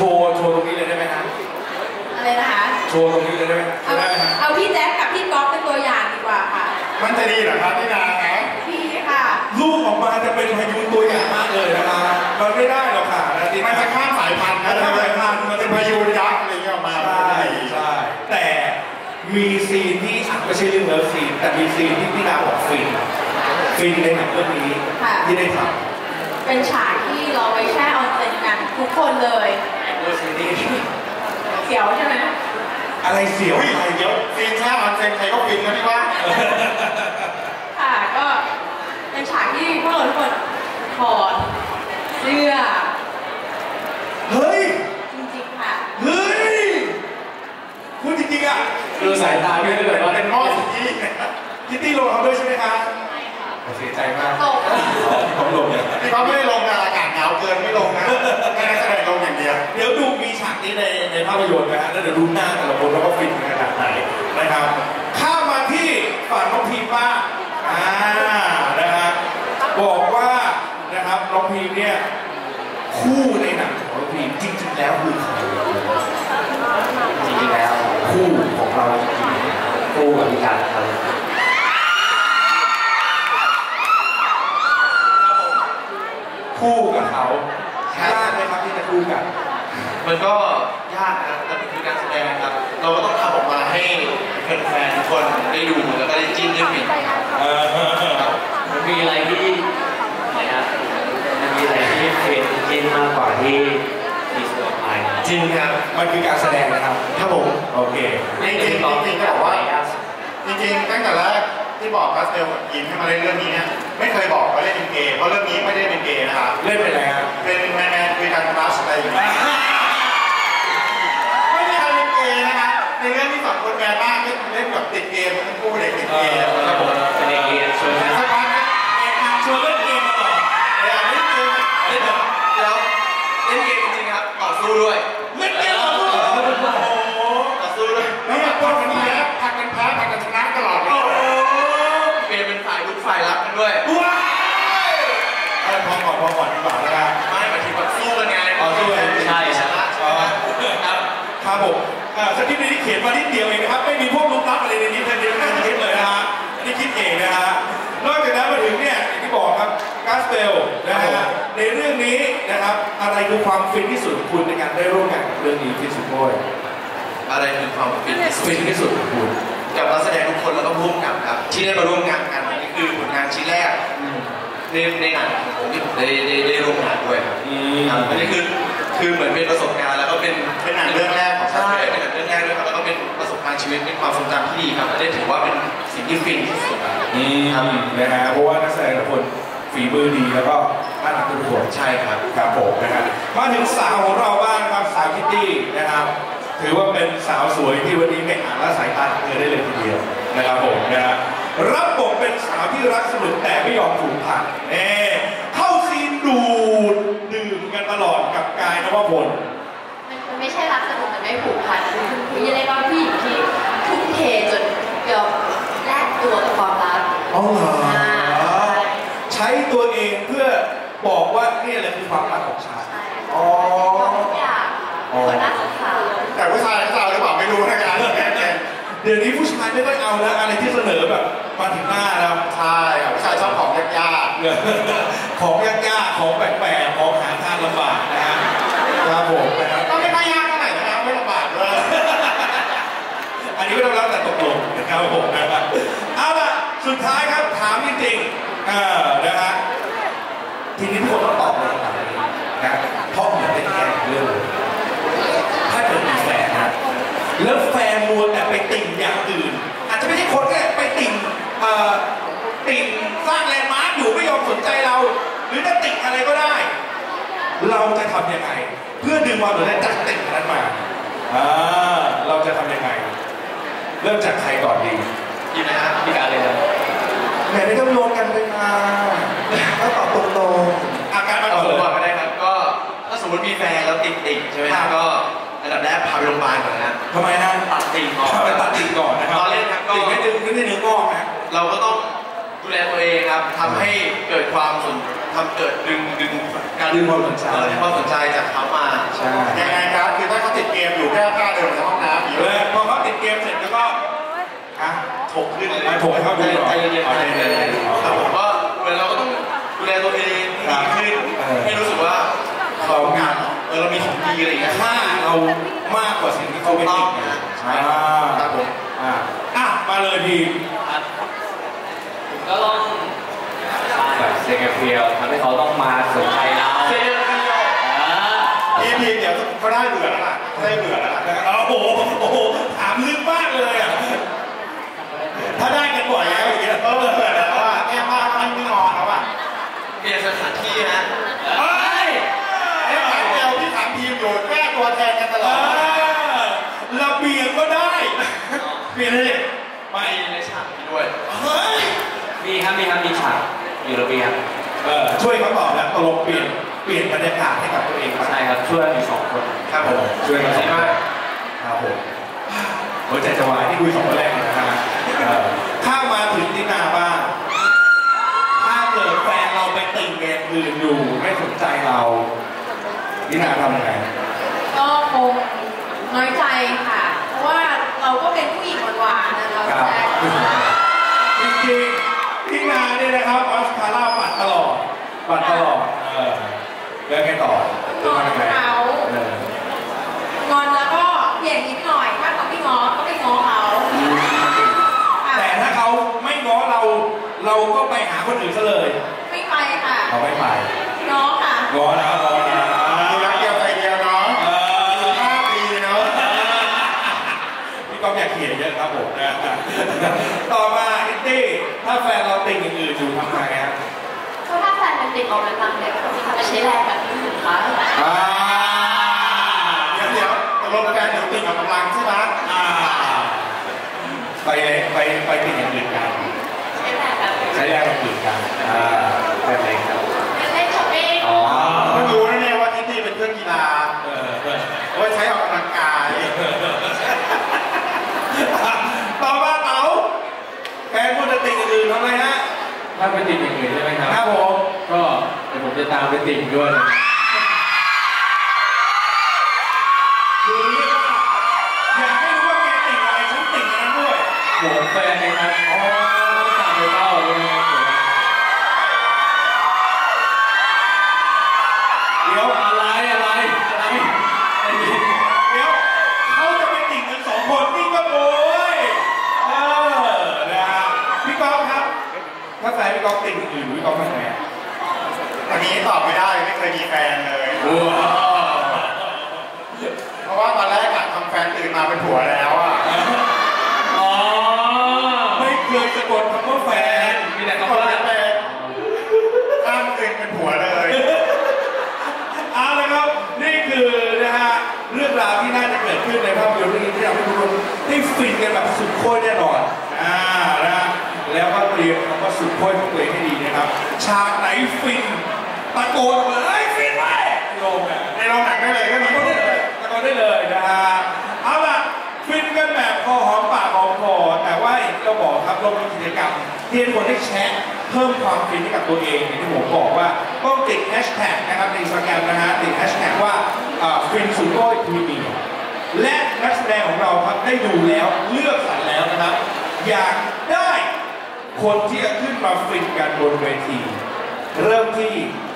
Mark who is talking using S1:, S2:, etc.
S1: ว์ตรงนี้เลยได้ไหมฮะ
S2: อะไรนะคะ
S1: โชว์ตรงนี้เลยได้ไหม
S2: เอาพี่แจ๊คกับพี่ก๊อฟเป็นตัวอย่างดีกว่าค่ะ
S3: มันจะดีเหรอครับพี่นาครับ
S2: พี่ค่ะ
S1: ลูกออกมาจะเป็นพายุตัวอย่างมากเลยนะครับมันไม่ได้หรอกค่ะ
S3: มันจะข้ามสายพันธุ์นะข้ามสายพันธุ์มันเป็นพายุยักษ์อะไรเงี้ยออกมา
S1: ใช่แต่มีซีนที่ไม่ใช่เรื่องเลิฟซีนแต่มีซีนที่พี่นาบอกฟินในหนังเรื่องนี้ที่ได้ท
S2: ำเป็นฉากที่เราไปแช่ออนเซ็นกันทุกคนเลยเสียวใช่ไหม
S1: อะไรเสียว
S3: อะไรเยอะฟินแช่ออนเซ็นใครก็ฟินนะพี่ว่า
S2: ค่ะก็เป็นฉากที่พวกเราทุกคนถอดเสื้อ
S1: เฮ้ย
S2: จริงๆค่ะ
S1: เฮ้ยพูดจริงๆอ่ะ
S3: ดูสายตาพี่เลยว่าเป็นพ่อสิ
S1: คิตตี้ลงเขาด้วยใช่ไหมคะเสียใจมากผมลงเนี่ย
S3: พี่เขาไม่ได้ลงนะอากาศหนาวเกินไม่ลงนะแค่แสดงลงอย่างเดียว
S1: เดี๋ยวดูมีฉากนี้ในภาพยนตร์นะฮะแล้วเดี๋ยวดูหน้าแต่ละคนแล้วก็ฟินขนาดไหนนะครับข้ามาที่ฝั่งน้องพีมบ้างนะฮะบอกว่านะครับน้องพีมเนี่ยคู่ในหนังของน้องพีมจริงๆแล้วคือใคร
S4: จริงๆแล้วคู่ของเราจริงๆคู่กับพี่การครับ
S1: คู่กับเขายากไหมครับที่จะคู่กัน
S3: มันก็ยากนะแต่เป็นคือการแสดงครับเราก็ต้องทำออกมาให้แฟนๆทุกคนได้ดูแล้วก็ได้จิ้นได้ฟิน
S4: มันมีอะไรที่ไหนครับมันมีอะไรที่เป็นจิ้นมากกว่าที่ดีสโตร์ไพ
S1: จริงครับมันคือการแสดงนะครับ
S3: ครับผม
S1: โอเค
S3: จริงๆก็บอกว่าจริงๆตั้งแต่แรกที่บอกกัสเตลยินให้มาเล่นเรื่องนี้เนี่ยไม่เคยบอกว่าเล่นเป็นเกย์เพราะเรื่องนี้ไม่ได้เป็นเกย์นะครับ
S1: เล่นเป็นอะไรครับ
S3: เป็นแมนคุยกันคลาสอะไรอย่างเงี้ยไม่มีใครเป็นเกย์นะครับในเรื่องที่สองคนแมนมากเล่นแบบติดเกมทั้งคู่เด็กติดเกมครับผม
S4: เป็นเด็กเกย์ชวน
S3: สักพัก
S1: ชวนเล่นเกมมาต่อ
S3: เล่นเกมเล่นแล้วเล่นเกมจริงๆครับต่อสู้ด้วย
S1: เล่นเกมต่อสู้
S3: ต่อสู้ด้วยแล้วแบบผัดกันแพ้ผัดกันชนะตลอดเป็นฝ่ายลุกฝ่ายรับกันด้วย
S1: ว้ายพอก่อนดีกว่าแล้วกัน
S3: ไม่หมายถึงแบบสู้กันไง
S1: สู้กัน
S4: ใช่
S3: ชนะครับ
S1: ครับผมสคริปต์นี้เขียนมานิดเดียวเองนะครับไม่มีพวกลุกลับอะไรในนี้เดียวในคลิปเลยนะฮะอันนี้คิดเองนะฮะนอกจากนั้นมาถึงเนี่ยอย่างที่บอกครับกัสเตลนะฮะในเรื่องนี้นะครับอะไรคือความฟินที่สุดของคุณในการได้ร่วมงานกับเรื่องนี้ที่สุดโอย
S3: อะไรคือความฟินที่สุดของคุณกับนักแสดงทุกคนแล้วก็ร่วมกับครับที่ได้มาร่วมงานกันนี่คือผลงานชิ้นแรกในหนังผมที่ผมได้ร่วมงานด้วยครับอันนี้คือเหมือนเป็นประสบการณ์แล้วก็เป็นหนังเรื่องแรกของใช่เป็นหนังเรื่องแรกด้วยครับแล้วก็เป็นประสบการณ์ชีวิตเป็นความทรงจำที่ดีครับและได้ถือว่าเป็นสิ่งที่ฟินที่สุด
S1: ครับนะฮะเพราะว่านักแสดงทุกคนฝีมือดีแล้วก็น่ารักทุกคน
S3: ใช่ครับ
S1: ครับผมนะครับมาถึงสาวของเราบ้างครับสาวคิตตี้นะครับถือว่าเป็นสาวสวยที่วันนี้ไม่อ่านละสายตาเธอได้เลยทีเดียวนะครับผมนะฮะรับบทเป็นสาวที่รักสนุกแต่ไม่ยอมถูกผักเข้าซีนดูดดื่มกันตลอดกับกายนวพล
S2: มันไม่ใช่รักสนุกแต่ไม่ผูกพันคือยังไงก็ผู้หญิงที่ทุ่มเทจนยอมแลกตัวกับความรัก
S1: ใช้ตัวเองเพื่อบอกว่านี่แหละคือความรักของฉัน
S2: ทุกอย่างคนน่าสงสาร
S3: แต่ผู้ชายเขาหรือเปล่าไม่รู้นะครับ
S1: เดี๋ยวนี้ผู้ชายไม่ค่อยเอาแล้วอะไรที่เสนอแบบมาถึงหน้าแล้ว
S3: ใช่ครับผู้ชายชอบของยาก
S1: ๆของยากๆของแปลกๆของหาทางลำบากนะฮะครับผมนะครับ
S3: ก็ไม่ค่อยยากเท่าไหร่นะครับไม่ลำบากเลย
S1: อันนี้ไม่ต้องรับแต่ตกลงนะครับผมนะครับเอาล่ะสุดท้ายครับถามจริงๆนะฮะทีนี้ทุกคนต้องตอบเลยนะเพราะเหมือนเป็นแค่เรื่องถ้าเกิดมีแฟนนะแล้วแฟนมัวแต่ไปติ่งอย่างอื่นอาจจะไม่ใช่คนแค่ไปติ่งสร้างแลนด์มาร์คอยู่ไม่ยอมสนใจเราหรือจะติ่งอะไรก็ได้เราจะทำยังไงเพื่อดึงความสนใจจากติ่งนั้นมาเราจะทำยังไงเริ่มจากใครก่อนดี
S3: ยินนะฮะพี่การเลยครับ
S1: แหมไม่ต้องโยนกันเลยนะถ้าตอบตรงๆ
S3: อาการมาตอบก่อนก็ได้ครับก็ถ้าสมมติมีแฟนแล้วติ่งใช่ไหมครับก็อันดับแรกพาไปโรงพยาบาลก่อนนะ
S1: ทำไมฮะ
S3: ตัดติ่งก่อน
S1: ไปตัดติ่งก่อนนะครับ
S3: ตอนเล่นครับก็
S1: ติ่งไม่ดึงไม่ได้เนื้องอกนะ
S3: เราก็ต้องดูแลตัวเองครับทำให้เกิดความเกิดดึง
S1: การดึงความสนใจ
S3: จากเขามา
S1: ใช่
S3: ยังไงครั
S1: ผมให้เขาดู
S3: ใจเย็นๆ
S1: ใจเย็น
S3: แต่ผมว่าเหมือนเราก็ต้องดูแลตัวเองให้ดีขึ้นให้รู้สึกว่าเรางานเรามีของดีอะไรอย่างเงี้ย
S1: ค่าเรามากกว่าสิ่งที่เขาเป็นติดนะ
S3: ใช่ครับผม
S1: มาเลยที
S4: ครับผมก็ต้องสร้างแบบเซกเฟียลทำให้เขาต้องมาสนใจเรา
S3: เซนเดียว
S1: ทีเดี๋ยวเขาได้เบื่อแล้วล่ะได้เบื่อแล้วล่ะโอ้โหถามลึกมากเลยอ่ะถ้าได้กันบ่อยแล้วอย่างเงี้ยเบื่อแล้วอ่ะแก้ผ้ามันไม่งอแล้วอ่ะ
S3: เปลี่ยนสถานที่ฮะ
S1: เฮ้ยไอ้ถามเดียวที่ถามทีมอยู่แก้ตัวแทนกันตลอดระเบียงก็ได้เปลี่ยนเลย
S3: มาในฉากนี้ด้วย
S1: เฮ้ย
S4: มีฉากอยู่ระเบียง
S1: ช่วยเขาตอบแล้วตกลงเปลี่ยนบรรยากาศให้กับตัวเอง
S4: ใช่ครับช่วยมี2 คน
S3: ครับผม
S1: ช่วยกัน
S3: ใช่มาก
S1: ครับผมหัวใจจะวายที่คุย2 คนแรกนะฮะข้ามาถึงตินาบ้างถ้าเกิดแฟนเราไปติ่งเกมอื่นอยู่ไม่สนใจเราตินาทำยังไง
S2: ก็คงน้อยใจค่ะ เพราะว่าเราก็เป็นผู้หญิงหวานๆนะเรา
S1: ครับ
S2: แต่
S1: จริงๆพี่นาเนี่ยนะครับออสคาร่าปัดตลอดแล้วไงต่อ
S2: งอน
S1: ยังไง
S2: เขา งอนแล้วก็เปลี่ยนนิดหน่อย ถ้าเขาไม่ง้อก็ไปง้อเขาค่ะ
S1: แต่ถ้าเขาไม่ง้อเราก็ไปหาคนอื่นซะเลย
S2: ไม่ไปค่ะ
S1: เราไม่ไป
S2: ง้อค่ะ
S1: ง้อนะมีรักเดียวใจเดียวเนาะ5 ปีเนาะพี่ก๊อฟอยากเขียนเยอะครับผมนะต่อมาอิตตี้ถ้าแฟนเราติ่งอย่างอื่นอยู่ทำไงฮะ
S2: ก็ถ้าแฟนเป็นเด็กออกกำลังเนี่ยเขาจะใช้แรงแบบนี้ถูกคะ
S1: เดี๋ยวตกลงแฟนเดี๋ยวติ่งกับกำลังใช่ไหมไปติ่งอย่างอื่นกัน
S2: ใช้แรงแบบ
S1: ใช้แรงกับอื่นกันแบบไหนครับ
S2: เล่นช้อปปิ้ง
S1: เพิ่งรู้นะเนี่ยว่าอิตตี้เป็นเครื่องกีฬาเอาไว้ใช้ออกกำลังกายต่อมาเต๋าแฟนคุณจะติ่งอย่างอื่นทำไมฮะ
S4: ถ้าไปติ่งอย่างอื่นใช่ไหมครับ
S1: ครับผม
S4: ก็เดี๋ยวผมจะตามไปติ่งด้วย
S1: คือเรียกว่าอยากให้รู้ว่าแกติ่งอะไรฉันติ่งอันนั้นด้วย
S4: หัวแฟนนะครับต้องตามไปเป้าด้วยนะครับ
S1: เดี๋ยว
S4: อะไร
S1: เดี๋ยวเขาจะไปติ่งกัน2 คนนี่ก็โวยนะฮะพี่ก๊อฟครับถ้าแฟนพี่ก๊อฟติ่งอื่นพี่ก๊อฟทำไงอันนี้ตอบไม่ได้ไม่เคยมีแฟนเลยเพราะว่าตอนแรกอะทำแฟนตื่นมาเป็นผัวแล้วอ่ะไม่เคยสะกดคำว่าแฟน
S4: มีแต่คำว่า
S1: เป็นข้ามตื่นเป็นผัวเลยเอาละครับนี่คือนะฮะเรื่องราวที่น่าจะเกิดขึ้นในภาพยนตร์เรื่องนี้ที่ทำให้ทุกคนได้ฟินกันแบบสุดโคตรแน่นอนนะฮะแล้วก็เตรียมคำว่าสุดโคตรของตัวเองให้ดีนะครับฉากไหนฟินตะโกนออกมาเลยฟินไว้ในโรงหนังได้เลยก็มีตะโกนได้เลยนะฮะเอาล่ะฟินกันแบบพอหอมปากหอมคอแต่ว่าอย่างที่เราบอกครับเรามีกิจกรรมที่ให้คนได้แชร์เพิ่มความฟินให้กับตัวเองอย่างที่ผมบอกว่าต้องติดแฮชแท็กนะครับใน Instagram นะฮะติดแฮชแท็กว่าฟินสุดโต้พรีเมียร์และนักแสดงของเราครับได้ดูแล้วเลือกสรรแล้วนะครับอยากได้คนที่จะขึ้นมาฟินกันบนเวทีเริ่มที่